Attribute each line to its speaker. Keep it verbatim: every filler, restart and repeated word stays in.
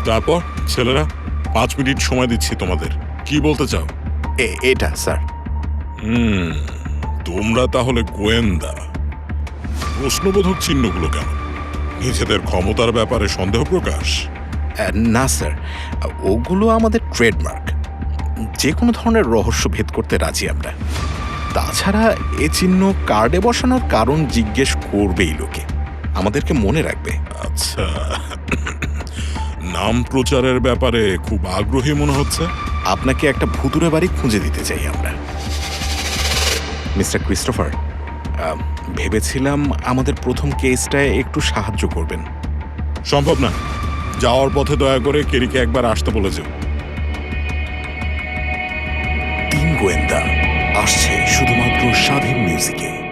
Speaker 1: তারপর ছেলেরা, পাঁচ মিনিট সময় দিচ্ছি তোমাদের, কি বলতে চাও?
Speaker 2: এটা স্যার।
Speaker 1: হুম, তোমরা তাহলে গোয়েন্দা। প্রশ্নবোধক চিহ্নগুলো কেন? নিজেদের ক্ষমতার ব্যাপারে সন্দেহ প্রকাশ?
Speaker 2: না স্যার, ওগুলো আমাদের ট্রেডমার্ক। যে কোনো ধরনের রহস্য ভেদ করতে রাজি আমরা। তাছাড়া এ চিহ্ন কার্ডে বসানোর কারণ জিজ্ঞেস করবেই লোকে, আমাদেরকে মনে রাখবে।
Speaker 1: আচ্ছা, নাম প্রচারের ব্যাপারে খুব আগ্রহী মনে হচ্ছে।
Speaker 2: আপনাকে একটা ভুতুরে বাড়ি খুঁজে দিতে চাই আমরা। মিস্টার ক্রিস্টোফার, ভেবেছিলাম আমাদের প্রথম কেসটায় একটু সাহায্য করবেন।
Speaker 1: সম্ভব না। যাওয়ার পথে দয়া করে কেরিকে একবার আসতে বলে যেও।
Speaker 2: তিন গোয়েন্দা আসছে শুধুমাত্র স্বাধীন মিউজিকে।